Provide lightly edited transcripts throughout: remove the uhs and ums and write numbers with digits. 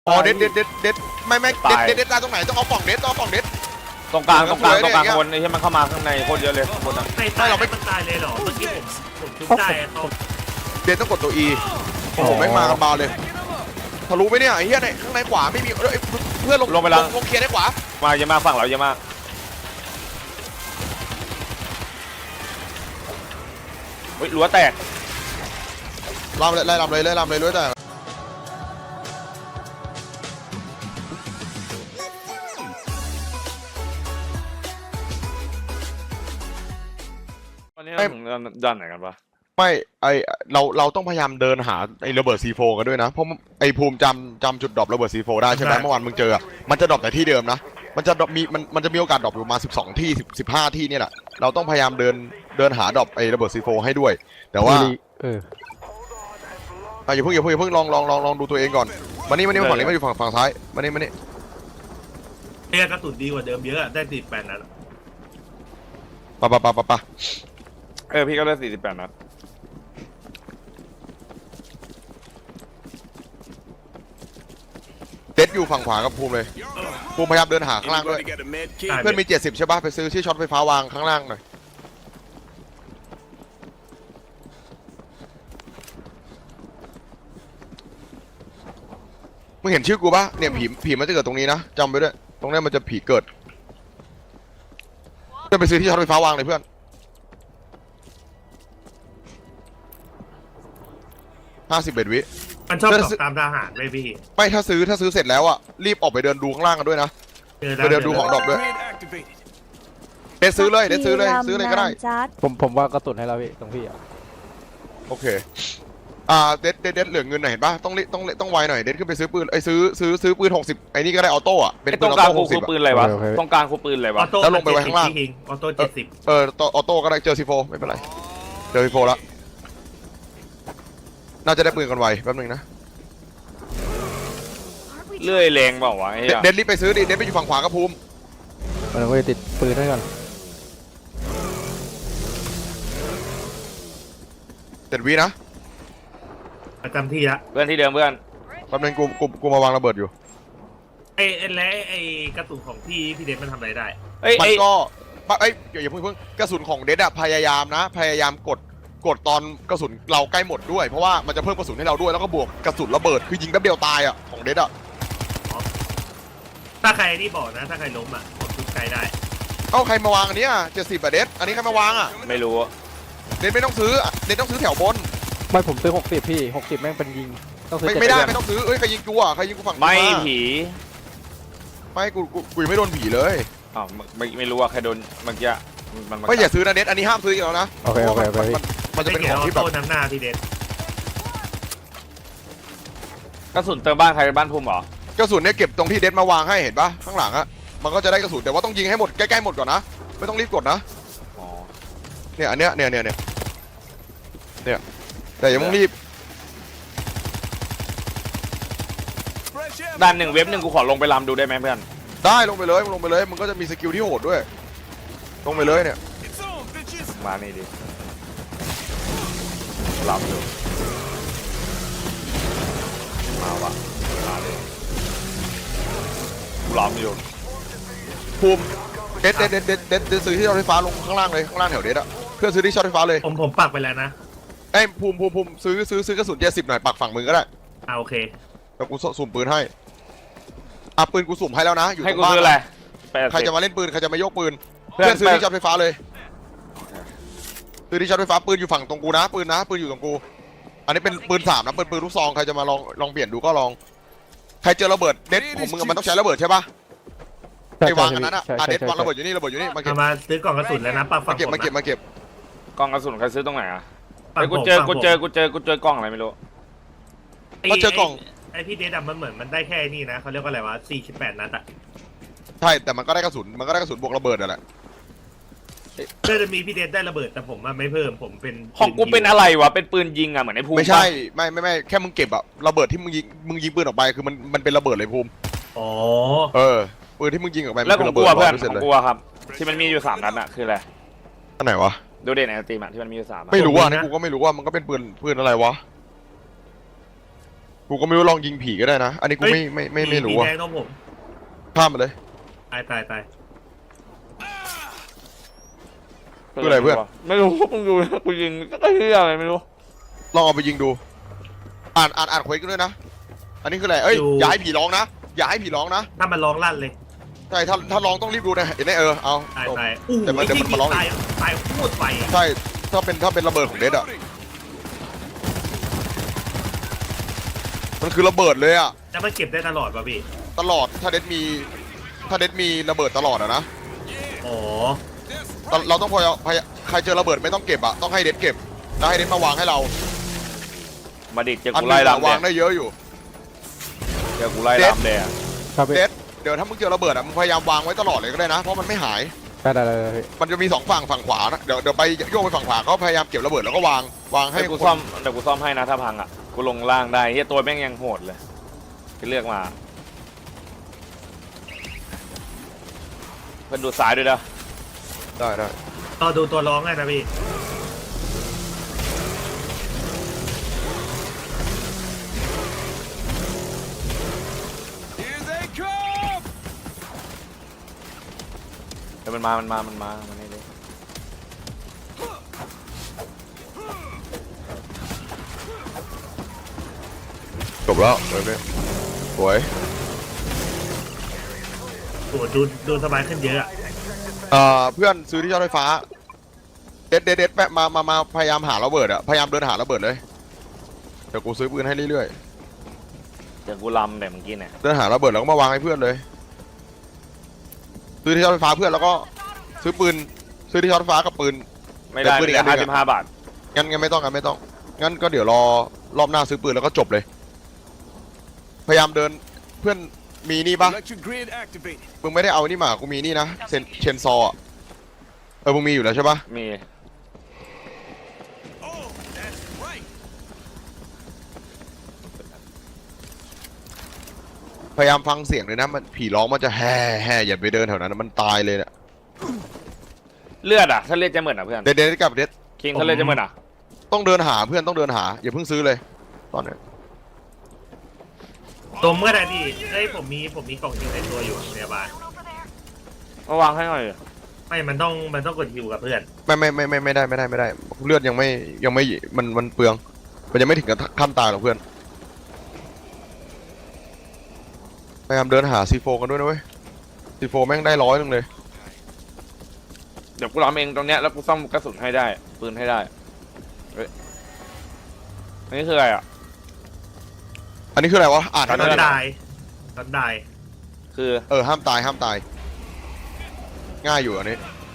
อ๋อเด็ดไม่เด็ดตายตรงไหนต้องเอาป่องเด็ดต้องเอาป่องเด็ดตรงกลางคนไอ้ที่มันเข้ามาข้างในโคตรเยอะเลยข้างบนอ่ะไม่ตายเราไม่ตายเลยหรอเมื่อกี้ผมชุบได้เขาเด็ดต้องกดตัว E โอ้โหไม่มากันเบาเลยทะลุไหมเนี่ยไอ้เหี้ยในข้างในขวาไม่มีเพื่อนลงเคลียร์ได้ขวามาเยอะมากฝั่งเราเยอะมากเฮ้ยรั้วแตกลำเลยไล่ลำเลยด้วยแต่ตอนนี้เราถึงด้านไหนกันปะไม่ไอเราต้องพยายามเดินหาไอระเบิด C4 กันด้วยนะเพราะไอภูมิจำจุดดรอประเบิด C4 ได้ใช่ไหมเมื่อวานมึงเจอมันจะดรอปแต่ที่เดิมนะมันจะมันจะมีโอกาสดรอปอยู่มา12ที่15ที่นี่แหละเราต้องพยายามเดินหาดรอปไอระเบิด C4 ให้ด้วยแต่ว่าอย่าเพิ่งลองดูตัวเองก่อนมานี่ฝั่งนี้มาอยู่ฝั่งซ้ายมานี่เนี่ยกระสุนดีกว่าเดิมเยอะได้48นัดปะพี่ก็ได้48นัดเด็ดอยู่ฝั่งขวากับภูมิเลยภูมิพยายามเดินหาข้างล่างด้วยเพื่อนมี70ใช่ป่ะไปซื้อที่ช็อตไฟฟ้าวางข้างล่างหน่อยมึงเห็นชื่อกูป่ะเนี่ยผีมันจะเกิดตรงนี้นะจำไว้ด้วยตรงนี้มันจะผีเกิดเพื่อนไปซื้อที่ช็อตไฟฟ้าวางเลยเพื่อน51 วิมันชอบตอบตามทหารเลยพี่ไม่ถ้าซื้อเสร็จแล้วอ่ะรีบออกไปเดินดูข้างล่างกันด้วยนะไปเดินดูของดรอปด้วยเด็ดซื้อเลยซื้อเลยก็ได้ผมว่ากระตุนให้เราพี่ตรงพี่อ่ะโอเคเด็ดเหลือเงินหน่อยเห็นป่ะต้องไวหน่อยเด็ดขึ้นไปซื้อปืนซื้อปืน60ไอ้นี่ก็ได้ออโต้อ่ะเป็นปืนออโต้60 ปืนอะไรวะตรงกลางคือปืนอะไรวะแล้วลงไปไว้ข้างล่างออโต้70 ออโต้ก็ได้เจอซีโฟไม่เป็นไรเจอซีโฟแล้วน่าจะได้ปืนกันไวแป๊บนึงนะเลื่อยแรงเปล่าวะเด็ดรีบไปซื้อดิเด็ดไปอยู่ฝั่งขวากับภูมิเราไปติดปืนให้ก่อน 7 วินะประจำที่ละเพื่อนที่เดิมเพื่อนแป๊บนึงกูมาวางระเบิดอยู่ไอ้กระสุนของพี่เดชมันทำอะไรได้มันก็อย่าเพิ่งกระสุนของเด็ดอะพยายามกดตอนกระสุนเราใกล้หมดด้วยเพราะว่ามันจะเพิ่มกระสุนให้เราด้วยแล้วก็บวกกระสุนระเบิดคือยิงแป๊บเดียวตายอะของเด็ดอะถ้าใครนี่บอกนะถ้าใครล้มอะผมชุบใครได้ใครมาวางอันนี้อะ70อะเด็ดอันนี้ใครมาวางอะไม่รู้เด็ดไม่ต้องซื้อเด็ดต้องซื้อแถวบนไม่ผมซื้อ60พี่60แม่งเป็นยิงต้องซื้อไม่ได้ไม่ต้องซื้อใครยิงกูอะใครยิงกูฝั่งไม่ผีไม่กูไม่โดนผีเลยไม่รู้ว่าใครโดนเมื่อกี้ไม่อย่าซื้อนะเด็ดอันนี้ห้ามซื้ออีกแล้วนะโอเคมันจะเป็นของที่แบบน้ำหน้าพี่เด็ดกระสุนเติมบ้านใครบ้านภูมิหรอกระสุนเนี่ยเก็บตรงที่เด็ดมาวางให้เห็นปะข้างหลังอะมันก็จะได้กระสุนแต่ว่าต้องยิงให้หมดใกล้ๆหมดก่อนนะไม่ต้องรีบกดนะเนี่ยอันเนี้ยแต่อย่าต้องรีบด้าน1 เว็บ 1กูขอลงไปลำดูได้ไหมเพื่อนได้ลงไปเลยมันก็จะมีสกิลที่โหดด้วยลงไปเลยเนี่ยมานี่ดิลำอยู่มาวะมาเลยกูลำอยู่ภูมิเด็ดซื้อที่ช็อตไฟฟ้าลงข้างล่างเลยข้างล่างแถวเด็ดอะเพื่อซื้อที่ช็อตไฟฟ้าเลยผมปักไปแล้วนะภูมิซื้อกระสุน70หน่อยปักฝั่งมึงก็ได้โอเคแล้วกูสุ่มปืนให้ปืนกูสุ่มให้แล้วนะอยู่ตรงบ้านอะไรใครจะมาเล่นปืนใครจะมาโยกปืนเพื่อนซื้อที่ช็อตไฟฟ้าเลยซื้อที่ช็อตไฟฟ้าปืนอยู่ฝั่งตรงกูนะปืนอยู่ตรงกูอันนี้เป็นปืน3นะปืนลูกซองใครจะมาลองเปลี่ยนดูก็ลองใครเจอระเบิดเด็ดของมึงมันต้องใช้ระเบิดใช่ปะไอ้วางอันนั้นเด็ดวางระเบิดอยู่นี่มาเก็บมาซื้อกล่องกระสุนแล้วนะปักฝั่งมาเก็บกล่องกระสุนใครซื้อตรงไหนอ่ะกูเจอกล่องอะไรไม่รู้ก็เจอกล่องไอพี่เดดมันเหมือนมันได้แค่นี้นะเขาเรียกว่าอะไรวะ48นัดอะใช่แต่มันก็ได้กระสุนบวกระเบิดนั่นแหละก็จะมีพี่เดดได้ระเบิดแต่ผมไม่เพิ่มผมเป็นของกูเป็นอะไรวะเป็นปืนยิงอะเหมือนไอ้ภูมิไม่ใช่ไม่แค่มึงเก็บอะระเบิดที่มึงยิงปืนออกไปคือมันเป็นระเบิดเลยภูมิปืนที่มึงยิงออกไปแล้วของกูเพื่อนของกูครับที่มันมีอยู่3นัดอะคืออะไรอันไหนวะดูเด่นในตีมที่มันมีอยู่3 ไม่รู้ว่านี่กูก็ไม่รู้ว่ามันก็เป็นปืนอะไรวะกูก็ไม่รู้ลองยิงผีก็ได้นะอันนี้กูไม่รู้ผีอะแดงต้องผมข้ามมาเลยตายตายตายคืออะไรเพื่อนไม่รู้มึงดูกูยิงก็เฮียอะไรไม่รู้ลองเอาไปยิงดูอ่านเควสกันด้วยนะอันนี้คืออะไรเอ้ยอย่าให้ผีร้องนะอย่าให้ผีร้องนะถ้ามันร้องลั่นเลยใช่ถ้าร้องต้องรีบดูนะเห็นไหมเอาตายจบตายอู้แต่มันไอ้ที่มันร้องอีกตายตายพูดไปอะใช่ถ้าเป็นระเบิดของเดดอะมันคือระเบิดเลยอะแล้วมันเก็บได้ตลอดป่ะพี่ตลอดถ้าเดดมีระเบิดตลอดอะนะอ๋อเราต้องพยายามใครเจอระเบิดไม่ต้องเก็บอะต้องให้เดดเก็บแล้วให้เดดมาวางให้เรามาดิเจออันกูนึไล่งอะลำวางแดได้งเยอะอยู่เจอกูไล่ลำแดงครับพี่เดดเดี๋ยวถ้ามึงเจอระเบิดอะมึงพยายามวางไว้ตลอดเลยก็ได้นะเพราะมันไม่หายได้พี่มันจะมี2ฝั่งขวานะเดี๋ยวไปโยกไปฝั่งขวาก็พยายามเก็บระเบิดแล้วก็วางให้ให้กูคนซ่อมเดี๋ยวกูซ่อมให้นะถ้าพังอ่ะกูลงล่างได้เฮียตัวแม่งยังโหดเลยที่เลือกมาเพื่อนดูซ้ายด้วยนะได้รอดูตัวร้องไงนะพี่เดี๋ยวมันมามันนี่เลยจบแล้วเว้ยสวยโอ้ดูสบายขึ้นเยอะอะเพื่อนซื้อที่ชาร์จไฟฟ้าเด็ดแปะมาพยายามหาระเบิดอะพยายามเดินหาระเบิดเลยเดี๋ยวกูซื้อปืนให้เรื่อยเดี๋ยวกูลำแต่เมื่อกี้เนี่ยๆเดินหาระเบิดแล้วก็มาวางให้เพื่อนเลยซื้อที่ชาร์จไฟฟ้าเพื่อนแล้วก็ซื้อที่ชาร์จไฟฟ้ากับปืนไม่ได้เดี๋ยวปืนอีกอันหนึ่งอะ 55 บาทงั้นไม่ต้องงั้นก็เดี๋ยวรอบหน้าซื้อปืนแล้วก็จบเลย พยายามเดินเพื่อนมีนี่ปะ Electric grid activated. มึงไม่ได้เอานี่มากูมีนี่นะเชนซออะมึงมีอยู่แล้วใช่ปะมี Oh, that's right. พยายามฟังเสียงเลยนะมันผีร้องมันจะแห่อย่าไปเดินแถวนั้นมันตายเลยเนี่ยเลือดอ่ะถ้าเลือดจะเหมือนอ่ะเพื่อนเด็ดกับเด็ดคิงถ้าเลือดจะเหมือนอ่ะต้องเดินหาเพื่อนต้องเดินหาอย่าเพิ่งซื้อเลยตอนนี้ตัวเมื่อไหร่พี่เฮ้ยผมมีกล่องฮิวในตัวอยู่อะพยาบาลมาวางให้หน่อยไม่มันต้องกดฮิวกับเพื่อนไม่ได้เลือดยังไม่มันเปลืองมันยังไม่ถึงกับขั้นตายหรอกเพื่อนพยายามเดินหาซีโฟกันด้วยนะเว้ยซีโฟแม่งได้100เลยเดี๋ยวกูลำเองตรงเนี้ยแล้วกูซ่อมกระสุนให้ได้ปืนให้ได้เฮ้ยอันนี้คืออะไรอ่ะอันนี้คืออะไรวะอ่านตอให้นหน่อยได้คือห้ามตายง่ายอยู่อันนี้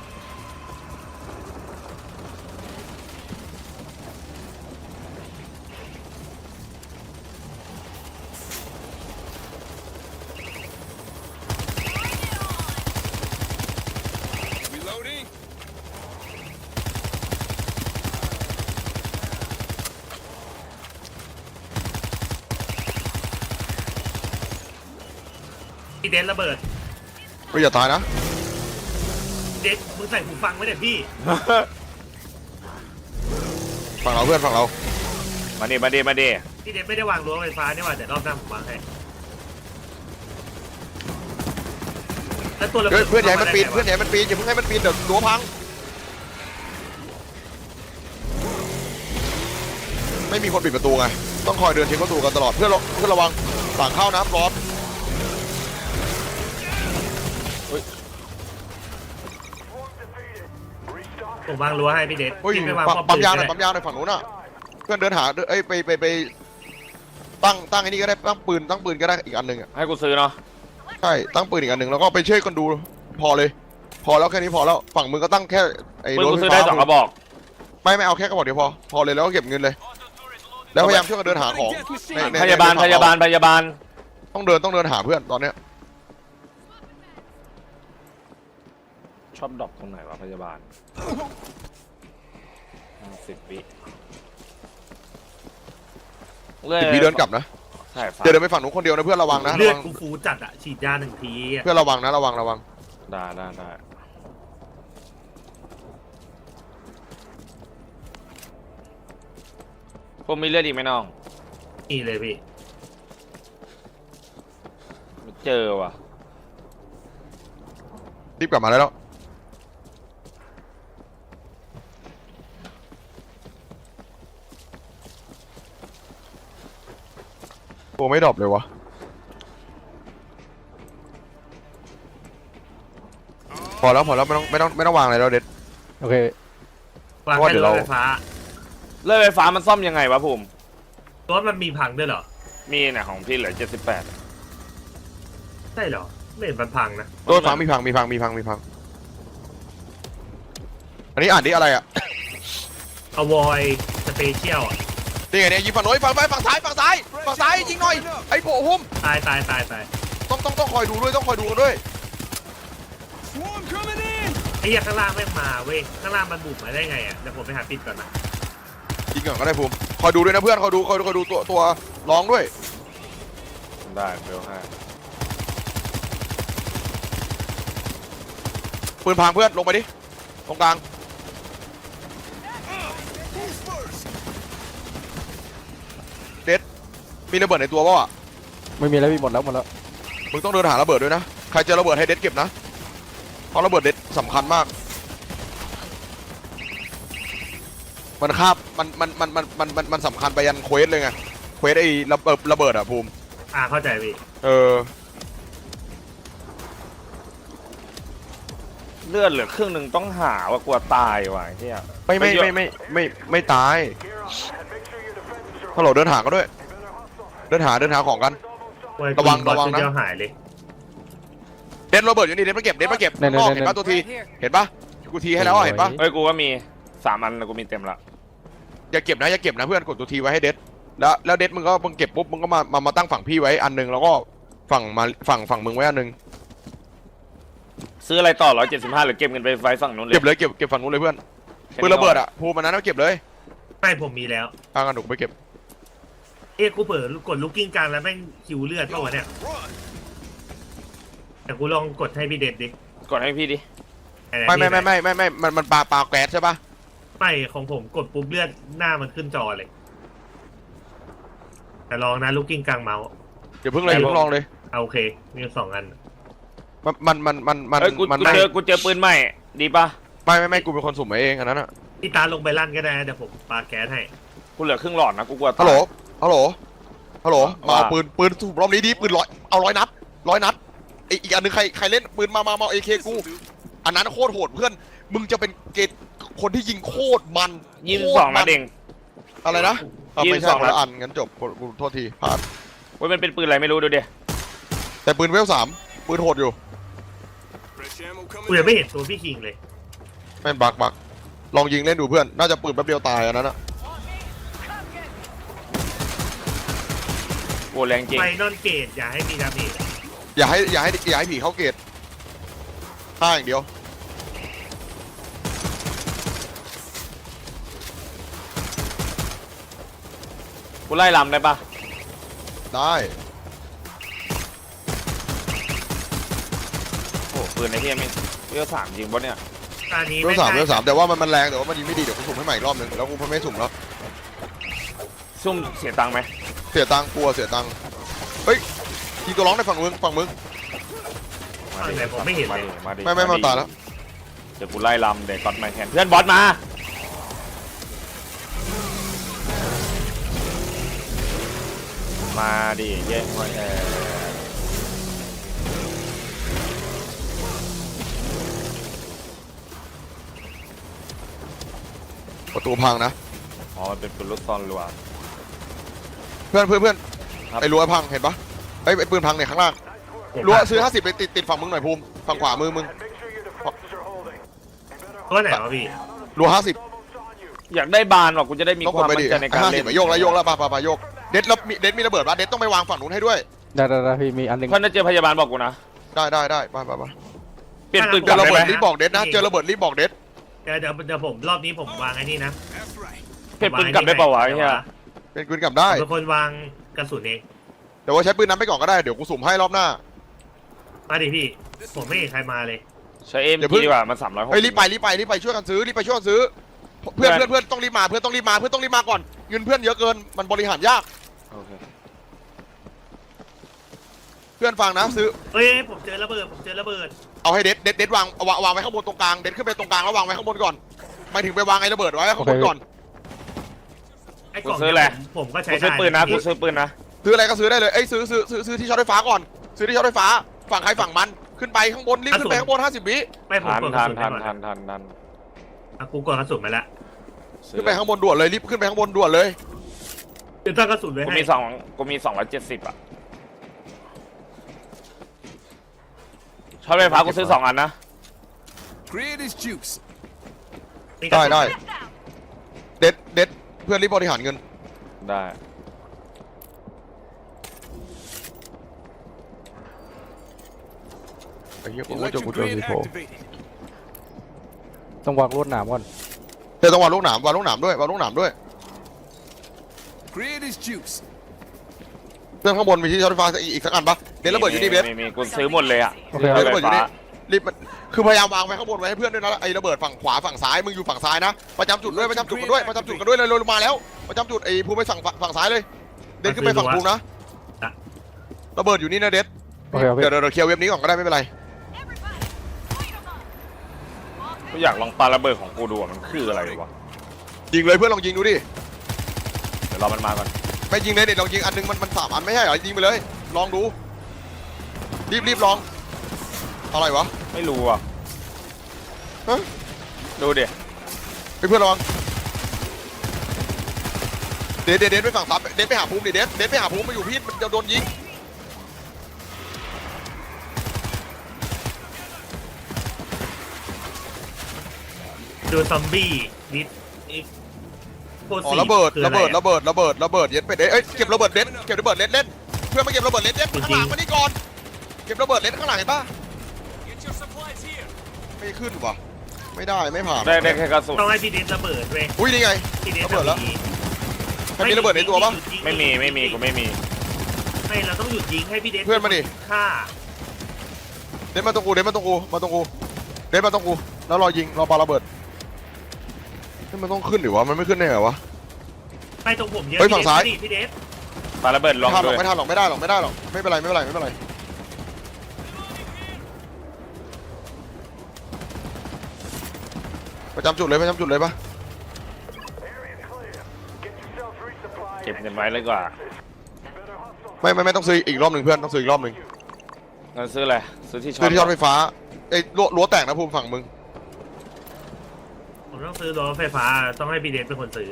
Reloading. พี่เดนระเบิดก็อย่าตายนะเดนมึงใส่หูฟังไว้เนี่ยพี่ฝั่งเราเพื่อนฝั่งเรามาดิพี่เดนไม่ได้วางรั้วไฟฟ้านี่หว่าแต่รอบหน้าผมวางให้แล้วตัวระเบิเฮ้ยดเพื่อนใหญ่มันปีนข้าาเพื่อนใหญ่มันปีนอย่าเพิ่งให้มันปีนเดี๋ยวรั้วพังไม่มีคนปิดประตูไงต้องคอยเดินเช็คประตูกันตลอดเพื่อนระวังฝั่งเข้านะบอสผมวางรั้วให้พี่เดนเฮ้ยพี่ไม่วางป้อมปั๊มปืนยางหน่ก็อยได้ปั๊มยางหน่อยฝั่งนู้นอ่ะเพื่อนเดินหาเอ้ยไปตั้งไอ้นี่ก็ได้ตั้งปืนก็ได้อีกอันหนึ่งอ่ะให้กูซื้อเนาะใช่ตั้งปืนอีกอันหนึ่งแล้วก็ไปช่วยกันดูพอเลยพอแล้วแค่นี้พอแล้วฝั่งมึงก็ตั้งแค่ไอ้ปืนรถกูไฟซื้อฟ้าได้2 กระบอกไม่เอาแค่กระบอกเดียวพอเลยแล้วก็เก็บเงินเลย แล้วพยายามช่วยกันเดินหาของในพยาบาลในฝั่งเรต้องเดินหาเพื่อนตอนเนี้ยชอบดรอปตรงไหนวะพยาบาล10 วิ 10 วิเดินกลับนะใช่ฟ้าเดินไปฝั่งนู้นคนเดียวนะเพื่อนระวังนะเลือดระวังกูฟูจัดอะฉีดยา1 ทีอะเพื่อนระวังนะระวังได้พวกมีเลือดอีกไหมน้องนี่เลยพี่เจอว่ะรีบกลับมาได้แล้วตัวไม่ดรอปเลยวะพอแล้วไม่ต้องวางอะไรแล้วเด็ดโอเควางเพราะว่าแค่เดี๋ยวรเราถไฟฟ้าเลื่อยไฟฟ้ามันซ่อมยังไงวะภูมิรถมันมีพังด้วยเหรอมีเนี่ยของพี่เหลือ78 ใช่เหรอไม่เห็นมันพังนะตัวฟังมีพังอันนี้อ่านดิอะไรอ่ะอวอยสเปเชียลนี่ไงเนี่ยยิงฝั่งโน้นฝั่งซ้ายยิงหน่อยไอ้โผล่หุ้มตายต้องคอยดูด้วยต้องคอยดูกันด้วย Swarm coming in. ไอ้เหี้ยข้างล่างไม่มาเว้ยข้างล่างมันบุกมาได้ไงอ่ะเดี๋ยวผมไปหาปิดก่อนนะยิงก่อนก็ได้ภูมิคอยดูด้วยนะเพื่อนคอยดูตัวร้องด้วยได้เบลให้ปืนพังเพื่อนลงไปดิตรงกลาง Who's first? เด็ดมีระเบิดในตัวเปล่าอ่ะไม่มีแล้วพี่หมดแล้วมึงต้องเดินหาระเบิดด้วยนะใครเจอระเบิดให้เด็ดเก็บนะเพราะระเบิดเด็ดสำคัญมากมันคาบมันสำคัญไปยันเควสเลยไงเควสไอ้ระเบิดอ่ะภูมิเข้าใจพี่เลือดเหลือครึ่งหนึ่งต้องหาว่ากลัวตายว่ะไอ้เฮียไม่ตายฮัลโหลเดินหาก็ด้วย เดินหาของกัน ระวังนะเดียวหายเลยเด็ดระเบิดอยู่นี่เด็ดมาเก็บนอกเห็นปะตัวทีเห็นปะกูทีให้แล้วเห็นปะเฮ้ยกูก็มี3 อันแล้วกูมีเต็มละอย่าเก็บนะเพื่อนกดตัวทีไว้ให้เด็ดแล้วเด็ดมึงเก็บปุ๊บมึงก็มาตั้งฝั่งพี่ไว้อันนึงแล้วก็ฝั่งมึงไว้อันนึงซื้ออะไรต่อ175หรือเก็บเงินไปไฟฝั่งนู้นเลยเก็บเลยเก็บฝั่งนู้นเลยเพื่อนปืนระเบิดอ่ะภูมันนั้นเอาเก็บเลยไม่ผมมีแล้วทางกันหนูไปเก็บกูเปิดกดลูกกิ้งกลางแล้วแม่งคิวเลือดป่าวะเนี่ย Run. แต่กูลองกดให้พี่เด็ดดิกดให้พี่ดิไม่มันปลาแก๊สใช่ปะไม่ของผมกดปุ๊บเลือดหน้ามันขึ้นจอเลย แต่ลองนะลูกกิ้งกลางเมาส์เดี๋ยวเพิ่งลองเลยเอาโอเคมี2 อันเฮ้ยกูเจอปืนใหม่ดีปะไม่กูเป็นคนสุ่มเองอันนั้นอ่ะพี่ตาลงไปลั่นก็ได้นะเดี๋ยวผมปาแก๊สให้กูเหลือครึ่งหลอดนะกูกลัวตายฮัลโหลมาเอาว่าปืนสุ่มรอบนี้ดีปืน100 นัดอีกอันนึงใครเล่นปืนมาเอเคกูอันนั้นโคตรโหดเพื่อนมึงจะเป็นเกตคนที่ยิงโคตรมัน 22นัดเองอะไรนะไม่ใช่ 22 คนละอันงั้นจบกูโทษทีพลาดเว้ยมันเป็นปืนอะไรไม่รู้ดูดิแต่ปืนเวล3ปืนโหดอยู่ Fresh ammo กู coming ยัง in. ไม่เห็นตัวพี่คิงเลยแม่นบักลองยิงเล่นดูเพื่อนน่าจะปืนแป๊บเดียวตายอันนั้นอะโอ้แรงจริงไฟนอนเกตอย่าให้มีดาเมจอย่าให้ผีเข้าเกตฆ่าอย่างเดียวกูไล่ลำได้ปะได้โอ้ปืนไอ้เหี้ยไม่เวล3จริงปะเนี่ยตอนนี้เวล3แต่ว่ามันแรงแต่ว่ามันยิงไม่ดีเดี๋ยวกูสุ่มให้ใหม่อีกรอบนึงแล้วกูไม่สุ่มแล้วซุ่มเสียตังค์ไหมเสียตังค์กลัวเสียตังค์เฮ้ยยิงตัวร้องในฝั่งมึงไหนผมไม่เห็นเลยมาดิไม่ตายแล้วเดี๋ยวกูไล่ลำเดี๋ยวก๊อตมาแทนเพื่อนบอสมามาดิแย่งมาแทนประตูพังนะอ๋อมันเป็นปืนลูกซองรัวเพื่อนครับไอ้รั้วพังเห็นปะไอ้ปืนพังเนี่ยข้างล่างรั้วซื้อ50ไปติดฝั่งมึงหน่อยภูมิฝั่งขวามือมึงตัวไหนวะพี่รั้ว50 อยากได้บานว่ะกูจะได้มีต้องคกดวามไปมั่ดินใจในการเล่น 50โยกแล้วโยกเด็ดมีระเบิดปะเด็ดต้องไปวางฝั่งนู้นให้ด้วยได้พี่มีอันหนึงเพื่อนจะเจอพยาบาลบอกกูนะได้ไปเปลี่ยนปืนเจกลัอบ ระได้เบิไหมดรีบบอกเด็ดนะเจอระเบิดรีบบอกเด็ดเดี๋ยวผมรอบนี้ผมวางไอ้นี่นะ That's right. เปลี่ยนปืนกลับได้เปล่าวะไอ้เหี้ยเป็นปืนกลับได้เป็นคนวางกระสุนเองแต่ว่าใช้ปืนนั้นไปก่อนก็ได้เดี๋ยวกูสุ่มให้รอบหน้ามาดิพี่ ผมไม่เห็นใครมาเลยใช้เอ็มเดี๋ยวเพิ่งดีกว่ามัน360 เฮ้ยรีบไปช่วยกันซื้อเพื่อนต้องรีบมาเพื่อนต้องรีบมาก่อนเงินเพื่อนเยอะเกินมันบริหารยากโอเคเพื่อนฟังนะซื้อเฮ้ยผมเจอระเบิดผมเจอระเบิดเอาให้เด็ดวางวางไว้ข้างบนตรงกลางเด็ดขึ้นไปตรงกลางแล้ววางไว้ข้างบนก่อนไม่ถึงไปวางไอ้ระเบิดไว้ข้างบนก่อนไอ้กล่องเนี่ยผมก็ใช้กูได้ซื้อปืนนะกูซื้อปืนนะซื้ออะไรก็ซื้อได้เลยเอ้ยซื้อที่ช็อตไฟฟ้าก่อนซื้อที่ช็อตไฟฟ้าฝั่งใครฝั่งมันขึ้นไปข้างบนรีบขึ้นไปข้างบน50 วิไม่ผมทันกดกทัระนสุนทันไปก่อนทันทันทันอ่ะกูกดกระสุนไปแล้วขึ้นไปข้างบนด่วนเลยรีบขึ้นไปข้างบนด่วนเลยเดี๋ยวตั้งกระสุนไว้กูให้มี270อ่ะช็อตไฟฟ้ากูซื้อ2 อันนะ Create is juice. มีกระสุนได้เด็ดเพื่อนรีบบริหารเงินได้ไอ้เหี้ยกู Electric เจอ grid ซีโฟ activated. ต้องวางลวดหนามก่อนเดี๋ยวต้องวางลูกหนามด้วยวางลูกหนามด้วย Create is juice. เพื่อนข้างบนมีที่ช็อตไฟฟ้าอีกสักอันปะเด็ดระเบิดอยู่นี่เบสมีกูซื้อหมดเลยอ่ะโอเคเด็คดรับระเบิดอยู่นี่รีบคือพยายามวางไว้ข้างบนไว้ให้เพื่อนด้วยนะไอ้ระเบิดฝั่งขวาฝั่งซ้ายมึงอยู่ฝั่งซ้ายนะประจำจุดด้วยประจำจุดกันด้วยเลยลงมาแล้วประจำจุดไอ้ภูมิไปฝั่งซ้ายเลยเด็ดขึ้นไปฝั่งภูมินะระเบิดอยู่นี่นะเด็ดโอเคครับพี่เดี๋ยวเคลียร์เว็บนี้ก่อนก็ได้ไม่เป็นไรกูอยากลองปาระเบิดของกูดูว่ามันคืออะไรวะยิงเลยเพื่อนลองยิงดูดิเดี๋ยวรอมันมาก่อนไม่ยิงเลยเด็ดลองยิงอันนึงมัน3 อันไม่ใช่เหรอยิงไปเลยลองดูรีบลองอะไรวะไม่รู้อ่ะฮะดูดิเพื่อนระวังเด็ดไปฝั่งซ้ายเด็ดไปหาภูมิดิเด็ดไปหาภูมิมาอยู่พี่มันจะโดนยิงดูซอมบี้ดิสอีกโคตรอ๋อสี่ระเบิดคืออไอะเย็ดเป็ดเอ้ยเก็บระเบิดเล่นเพื่อนมาเก็บระเบิดเล่นข้างหลังมานี่ก่อนเก็บระเบิดเล่นข้างหลังเห็นปะ Get your supplies here. ไม่ขึ้นว่ะไม่ได้ไม่ผ่านได้แค่กระสุนต้องให้พี่เดนระเบิดเว้ยอุ้ยนี่ไงพี่เดนระเบิดแล้วมีใครมีระเบิดในตัวปะไม่มีกูไม่มีไม่เราต้องหยุดยิงให้พี่เดนเพื่อนมาดิฆ่าเด็ดมาตรงกูเด็ดมาตรงกูแล้วรอยิงรอปาระเบิดมันต้องขึ้นหรือวะมันไม่ขึ้นได้เหรอวะไปตรงผมเยอะเฮ้ยฝั่งซ้ายพี่เดนปาระเบิดลองไม่ทันหรด้อวยกไม่ได้หรอกไม่เป็นไรประจำจุดเลยปะเก็บเงินไว้เลยกว่าไม่ต้องซื้ออีกรอบหนึ่งเพื่อนต้องซื้ออีกรอบหนึ่งเงินซื้ออะไรซื้อที่ช็อซื้อตที่ช็อตไฟฟ้าไอ้รั้วแตกนะภูมิฝั่งมึงผมต้องซื้อรถไฟฟ้าต้องให้พี่เดนเป็นคนซื้อ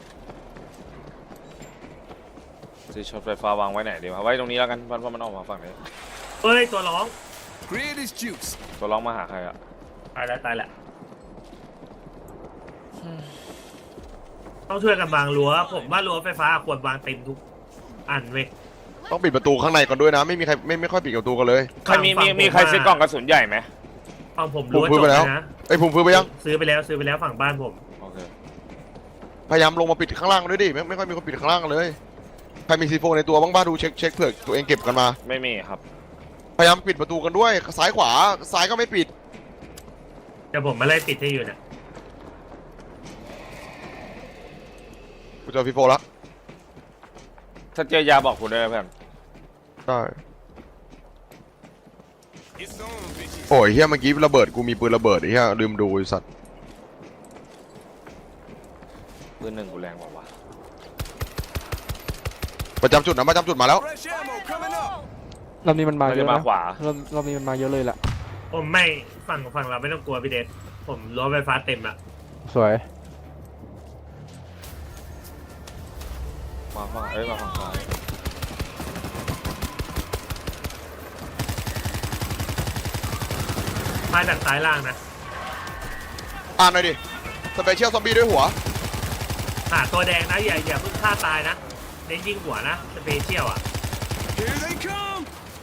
ซื้อช็อตไฟฟ้าวางไว้ไหนดีวะไว้ตรงนี้แล้วกันเพราะมันออกมาฝั่งนี้เฮ้ยตัวร้อง Create is juice. ตัวร้องมาหาใครอ่ะตายแล้วต้องช่วยกันวางรั้วผมว่ารั้วไฟฟ้าควรวางเต็มทุกอันเว้ยต้องปิดประตูข้างในก่อนด้วยนะไม่มีใครไม่ค่อยปิดประตูกันเลยใครมีใครซื้อกล่องกระสุนใหญ่ไหมฝั่งผมรั้วผมซื้จอบ ไปแล้วนะไอ้ภูมิซื้อไปยังซื้อไปแล้วฝั่งบ้านผมโอเคพยายามลงมาปิดข้างล่างด้วยดิไม่ค่อยมีคนปิดข้างล่างกันเลยใครมีซีโฟในตัวบ้างบ้าดูเช็คเผื่อตัวเองเก็บกันมาไม่มีครับพยายามปิดประตูกันด้วยซ้ายขวาซ้ายก็ไม่ปิดเดี๋ยวผมมาไล่ปิดให้อยู่เนี่ยกูเจอฟีโฟแล้วถ้าเจอยาบอกกูด้วยนะเพื่อนได้ It's on, bitches. โอ้ยเฮียเมื่อกี้ระเบิดกูมีปืนระเบิดไอ้เฮียลืมดูไอ้สัตว์ปืนหนึ่งกูแรงกว่าวะประจำจุดมาแล้ว Fresh ammo coming up. รอบนี้มันมามันเยจะอะมานะขวารอบนี้มันมาเยอะเลยแหละผมไม่ฝั่งเราไม่ต้องกลัวพี่เดนผมรั้วไฟฟ้าเต็มละสวยมาฝั่งมาฝั่งซ้ายมาจากซ้ายล่างนะอ่านหน่อยดิสเปเชียลซอมบี้ด้วยหัวหาตัวแดงนะอย่าเพิ่งฆ่าตายนะเน้นยิงหัวนะสเปเชียลอ่ะ Here they come.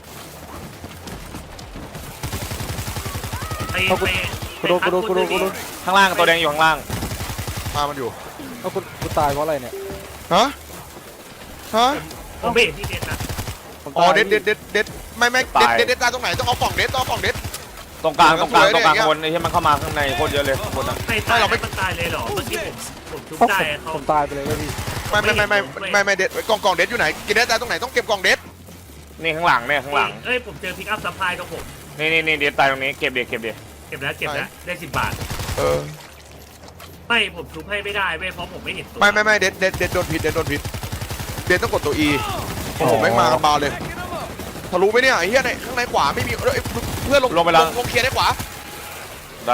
ไปเอากูไปกูโดนข้างล่างตัวแดงอยู่ข้างล่างมามันอยู่เอากูตายเพราะอะไรเนี่ยฮะผมไม่เห็นพี่เดนนะผมอ๋อตายเด็ดไม่เด็ดตายตรงไหนต้องเอากล่องเด็ดตรงกลางสวยเลยอย่างเงี้ยคนไอ้ที่มันเข้ามาข้างในโคตรเยอะเลยคนนั้นไม่ตายมันตายเลยเหรอเมื่อกี้ผมทุบได้เขาผมตายไปเลยเว้ยพี่ไม่เด็ดกล่องเด็ดอยู่ไหนกินเด็ดตายตรงไหนต้องเก็บกล่องเด็ดนี่ข้างหลังเนี่ยข้างหลังเอ้ยผมเจอพิกอัพซัพพลายตรงผมนี่เดี๋ยวตายตรงนี้เก็บเดี๋ยวเก็บแล้วได้10 บาทเออไม่ผมทุบให้ไม่ได้เว้ยเพราะผมไม่เห็นตัวไม่เด็ดโดนผิดเด็ดต้องกดตัว E ผมแม่งมากันบาเลย Backing them up. ทะลุไหมเนี่ยไอ้เหี้ยในข้างในขวาไม่มีเอ้ยเพื่อนลงเคลียร์ได้ขวาได้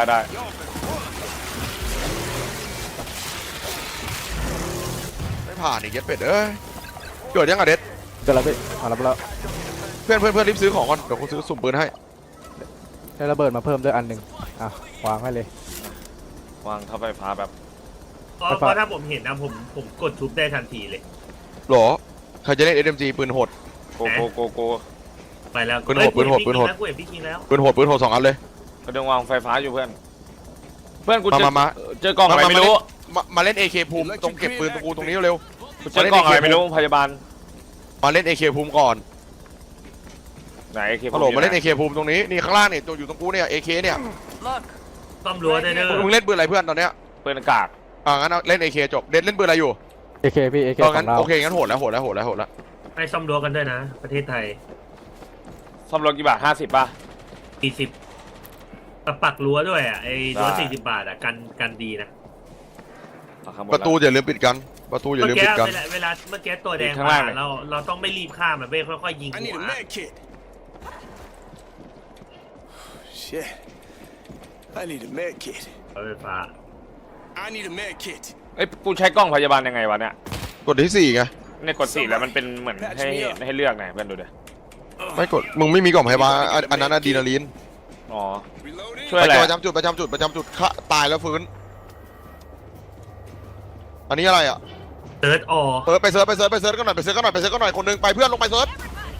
ไม่ผ่านอีกเย็ดเป็ดเอ้ยเกิดยังอะเด็ดเกิดอะไรพี่รับแล้วเพื่อนรีบซื้อของก่อนเดี๋ยวกูซื้อสุ่มปืนให้ได้ระเบิดมาเพิ่มด้วยอันหนึ่งอ่ะวางให้เลยวางเท่าไฟฟ้าแบบเพราะถ้าผมเห็นนะผมกดทุบได้ทันทีเลยหรอใครจะเล่น SMG ปืนโหดโกไปแล้วปืนโหดปืนโหดกูเห็นพี่คิงแล้วปืนโหด2 อันเลยกระดึงวางไฟฟ้าอยู่เพื่อนกูเจอมาเจอกล่องอะไรไม่รู้มาเล่น AK ภูมิตรงเก็บปืนตรงกูตรงนี้เร็วกูเจอกล่องอะไรไม่รู้พยาบาลมาเล่น AK ภูมิก่อนไหนเคฮัลโหลมาเล่น AK ภูมิตรงนี้นี่ข้างล่างเนี่ยตัวอยู่ตรงกูเนี่ย AK เนี่ยซ่อมรั้วได้เด้อมึงเล่นปืนอะไรเพื่อนตอนเนี้ยปืนอากาศงั้นเล่น AK จบเด็ดเล่นปืนอะไรอยู่ AK พี่ AK งั้ขอน งเราโอเคงั้นโหดแล้วให้ซ่อมรั้วกันด้วยนะ ประเทศไทยซ่อมรถกี่บาท50ป่ะ 40ปักรั้วด้วยอ่ะไอ้รั้วได้ 40 บาทอ่ะกันดีนะประตูอย่าลืมปิดกันประตูอย่าเมื่ลือมกี้ปิดกันเวลาเมื่อกี้ตัวแดงข้างมาล่างเลยเราต้องไม่รีบข้ามมันเว้ยค่อยๆยิง I หั need ว a med kit. Shit. I need a med kit. รถไฟฟ้า I need a med kit. เอ้ยกูใช้กล้องพยาบาลยังไงวะเนี่ยกดที่ 4ไงเนี่ยกด4แล้วมันเป็นเหมือนให้เลือกไงเพื่อนดูดิไม่กดมึงไม่มีกล่องพยาบาลอันนั้นอะดรีนาลีนอ๋อ Reloading. ช่วยอะไรประจำจุดฆ่าตายแล้วฟื้นอันนี้อะไรอ่ะเติร์ดออไปเซิร์ชกันหน่อยคนนึงไปเพื่อนลงไปเซิร์ช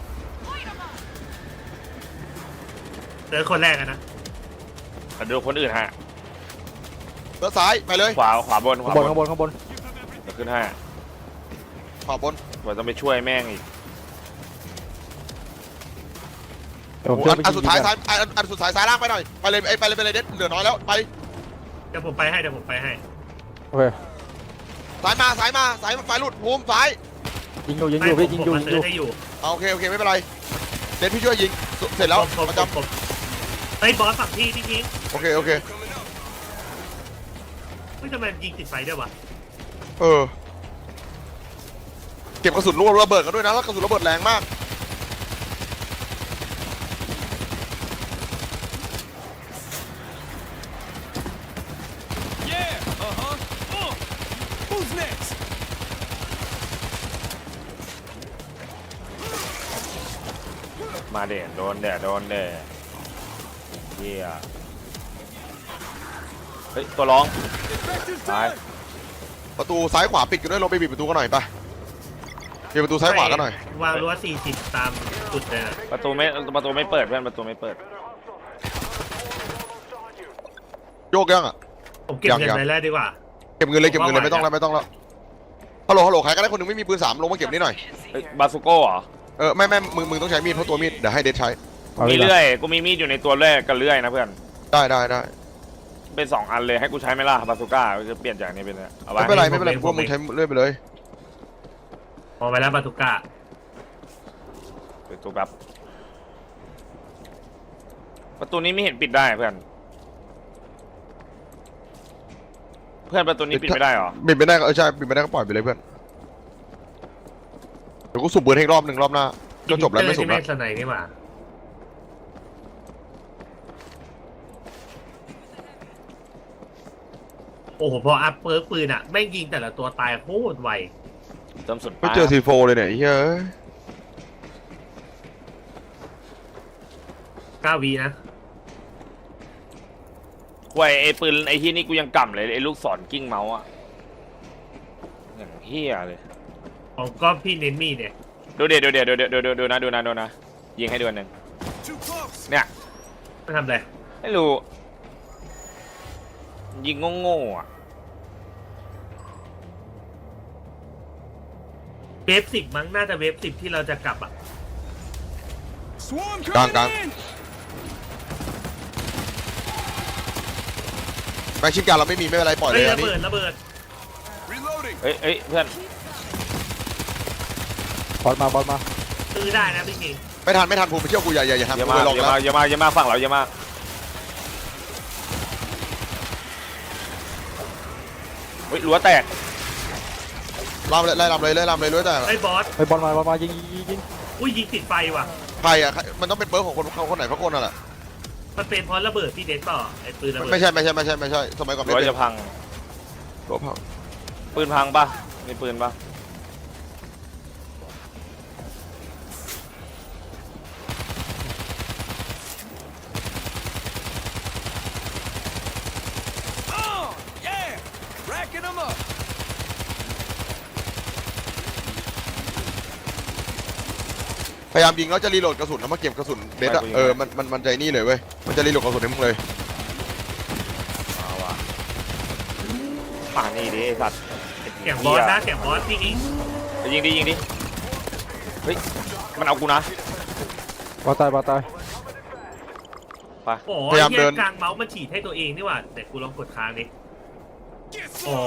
เติร์ดคนแรกอะนะดูคนอื่นฮะเซิร์ชซ้ายไปเลยขวาบนข้างบนเดี๋ยวขึ้นให้ขวาบนว่าต้องไปช่วยแม่งอีกเดี๋ยวผมช่วยไปอันสุดท้ายยิงซ้ายอันสุดท้ายซ้ายล่างไปหน่อยไปเลยเด็ดเหลือน้อยแล้วไปเดี๋ยวผมไปให้โอเคซ้ายมาไฟหลุดภูมิซ้ายยิงอยู่พี่ยิงอยู่ผมมาเติร์ดให้อยู่โอเคไม่เป็นไรเด็ดพี่ช่วยยิงเสร็จแล้วผมประจเฮ้ยบอสฝั่งพี่ยิงำโอเค Coming up. เฮ้ยทำไมยิงติดไฟด้วยวะเก็บกระสุนระเบิดกันด้วยนะแล้วกระสุนระเบิดแรงมาก Yeah. Who's next? มาเด่นโดนเด่เฮียเฮ้ยตัวร้อง Infector's ตาย down. ประตูซ้ายขวาปิดกันด้วยลงไปปิดประตูกันหน่อยไปปิดประตูซ้ายขวากันหน่อยวางรั้ว40ตามจุดเลยนะประตูไม่เปิดเพื่อนประตูไม่เปิดโยกยังอ่ะผมเก็บเงินยังไปแล้วดีกว่าเก็บเงินเลยไม่ต้องแล้วฮัลโหลใครก็ได้คนหนึงไม่มีปืน3ลงมาเก็บนี่หน่อยเฮ้ยบาสุโก้เหรอไม่มึงต้องใช้มีดเพราะตัวมีดเดี๋ยวให้เดชใช้เอามีพี่เลื่อยกูมีมีดอยู่ในตัวเลื่อยกับเลื่อยนะเพื่อนได้เป็น2อันเลยให้กูใช้ไหมล่ะบาสุก้าจะเปลี่ยนจากนี้เป็นเอาไว้ไม่เป็นไรพวกมึงใช้เลื่อยไปเลยมองไปแล้วบาตุก้าเป็นตัวแบบประตูนี้ไม่เห็นปิดได้เพื่อนประตูนี้ปิดไม่ได้เหรอปิดไม่ได้ก็ใช่ปิดไม่ได้ก็ปล่อยไปเลยเพื่อนเดี๋ยวกูสูบปืนให้รอบหนึ่งรอบหน้าก็จบแล้วไม่สูบไม่แล้วสไนนี่หว่าโอ้โหพออัพเปิร์กปืนอ่ะแม่งยิงแต่ละตัวตายโคตรไวเติมสุดไม่เจอซีโฟเลยเนี่ยเฮ้ย 9 วินะห่วยไอ้ปืนไอ้ที่นี่กูยังกำเลยไอ้ลูกศรกิ้งเมาส์อะอย่างเฮียเลยผมก็พี่เน้นมีดเนี่ยดูนะยิงให้ดูอันหนึ่ง Too close. เนี่ยไม่ทำอะไรไม่รู้ยิงโง่ๆอะเวฟ10มั้งน่าจะเวฟ10ที่เราจะกลับอ่ะ Swarm Gang, coming gang. in. แม็กชิมการเราไม่มีไม่เป็นไรปล่อยเลเฮ้ยยอัระนนี้เบิด Reloading. เอ้ยเพื่อนบอสมาเซื้อได้นะพี่คิงไม่ทันภูมิไปเชี่ยวกูอย่าทำเยอะกูมากเลยลองเยอะแล้วมากเยอะมากเยอะมากฝั่งเราเยอะมากเฮ้ยรั้วแตกลำเลยไล่ลำเลยรู้แต่ไอ้บอสไปบอลมายิงอุ้ยยิงติดไฟว่ะใครอ่ะมันต้องเป็นเบิร์กของคนไหนสักคนนั่นแหละมันเป็นเพราะระเบิดพี่เด็กต่อไอ้ปืนระเบิดไม่ใช่สมัยก่อนไม่รั้วเป็นจะพังรถพังปืนพังปะมีปืนปะพยายามยิงแล้วจะรีโหลดกระสุนแล้วมาเก็บกระสุนเบสอ่ะมันใจนี่เลยเว้ยมันจะรีโหลดกระสุนให้มึงเลยเอาว่ะป่านี่ดิไอ้สัตว์เสียงบอสนะเสียงบอสพี่คิงไปยิงดิเฮ้ยมันเอากูนะบอลตายโอ้ยเหี้ยกลางเมาส์มันฉีดให้ตัวเองนี่หว่าแต่กูลองกดค้างดิอ๋อ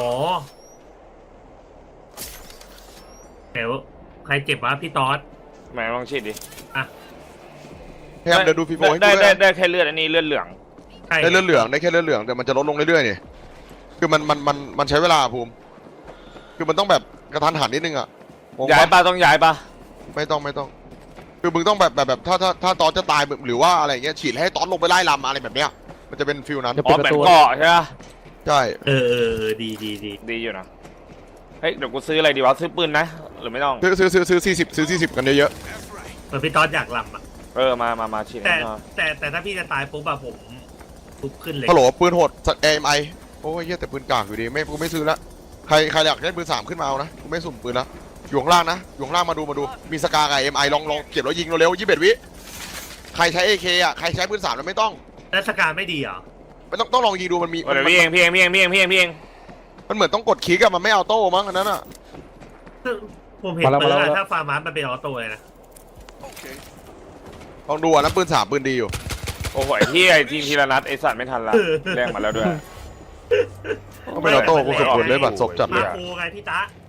เดี๋ยวใครเจ็บวะพี่ต๊อดแหมลองฉีดดิพยายามเดินดูฟีโฟให้ได้กูได้แค่เลือดอันนี้เลือดเหลืองใช่ได้เลือดเหลืองได้แค่เลือดเหลืองแต่มันจะลดลงเรื่อยๆนี่คือมันใช้เวลาภูมิคือมันต้องแบบกระทันหันนิดนึงอ่ะย้ายปะต้องย้ายปะไม่ต้องคือมึงต้องแบบถ้าตอนจะตายหรือว่าอะไรเงี้ยฉีดให้ตอนลงไปไล่ลำอะไรแบบเนี้ยมันจะเป็นฟิลนั้นอ๋อแบบเกาะใช่ปะใช่เออดีดีอยู่นะเฮ้ยเดี๋ยวกูซื้ออะไรดีวะซื้อปืนนะหรือไม่ต้องซื้อ40กันเยอะเหมือนพี่ต๊อดอยากลำอ่ะมาฉีดแต่ถ้าพี่จะตายปุ๊บอะผมทุบขึ้นเลยฮัลโหลปืนโหดสัตว์ AMI โอ้ยเหี้ยแต่ปืนกากอยู่ดีกูไม่ซื้อละใครอยากได้ปืน3ขึ้นมาเอานะกูไม่สุ่มปืนละอยู่ข้างล่างนะอยู่ข้างล่างมาดูมีสกากับ AMI ลองเก็บแล้วยิงเร็วๆ21 วิใครใช้ AK อ่ะใครใช้ปืน3แล้วไม่ต้องแล้วสการไม่ดีเหรอไม่ต้องลองยิงดูมันมีเดี๋ยวพี่เองมันเหมือนต้องกดคลิกอะมันไม่เอาโต้มั้งอันนั้นอะผมเห็นปืนอะถ้าฟาร์มาสมันเป็นออโต้เลยนะ Okay. ลองดูอะนะปืน3ปืนดีอยู่โอ้โหไอ้ที่ไอ้ทีมทีละนัดไอ้สัตว์ไม่ทันละแรงมาแล้วด้วยก็เป็นออโต้กูสุดๆเลยบัตรศพจัดเลมาย โคไงพี่ตะ